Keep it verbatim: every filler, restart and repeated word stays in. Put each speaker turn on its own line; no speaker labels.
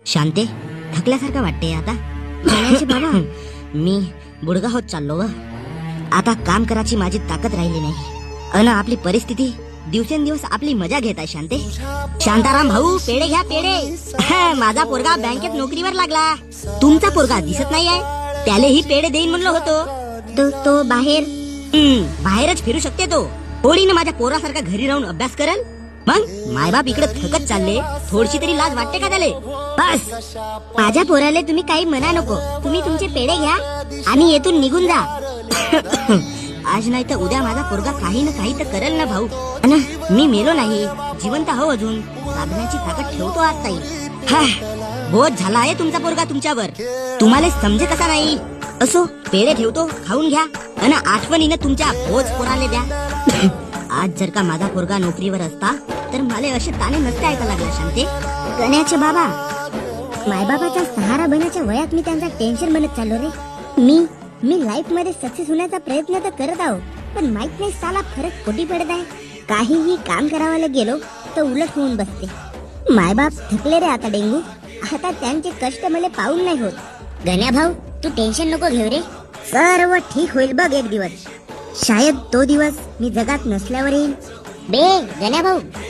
शांते, थकल्यासारखं वाटते आता. म्हणायचे बाबा, मी बुडगा होत चाललो व आता काम करायची माझी ताकद राहिली नाही. अन आपली परिस्थिती दिवसेंदिवस आपली मजा घेत आहे. शांते, शांताराम भाऊ, पेढे घ्या पेढे. माझा पोरगा बँकेत नोकरीवर लागला. तुमचा पोरगा दिसत नाही आहे, त्यालाही पेढे देईन म्हणलो होतो.
तो तो बाहेर
हम्म, बाहेरच फिरू शकते तो. होळीनं माझ्या पोरासारखा घरी राहून अभ्यास करल. मग मायबाप इकडे थकत चालले, थोडीशी तरी लाज वाटते का त्याले? बस,
माझ्या पोराले तुम्ही काही म्हणा नको. तुम्ही तुमचे पेढे घ्या आणि येथून निघून जा.
आज नाही तर उद्या माझा पोरगा काही ना काही तर करेल ना भाऊ. अन मी मेलो नाही, जिवंत हो अजून. साधण्याची ताकद ठेवतो आज ताई. हा, बोध झाला आहे तुमचा पोरगा तुमच्यावर. तुम्हाला समजे कसा नाही. असो, पेढे ठेवतो, खाऊन घ्या. अन आठवणीनं तुमच्या बोज पोराले द्या. आज जर का माझा पोरगा नोकरीवर असता तर मला असे ताणे नसते ऐका लागला. शांते,
गण्याचे बाबा, मायबाबाचा सहारा बनायच्या वयात मी त्यांचा टेन्शन बनत चाललो रे. मी मी लाईफ मध्ये सक्सेस होण्याचा प्रयत्न तर करत आहो, पण माहित नाही साला फरक कोटी पडत आहे. काहीही काम करावायला गेलो तर उलट होऊन बसते. मायबाप थकले रे आता डेंगू. आता त्यांचे कष्ट मला पाहून नाही होत. गण्या भाऊ, तू टेन्शन नको घेऊ रे. सर्व ठीक होईल बघ एक दिवस. शायद तो दिवस मी जगात नसल्यावर येईल. बे गण्या भाऊ,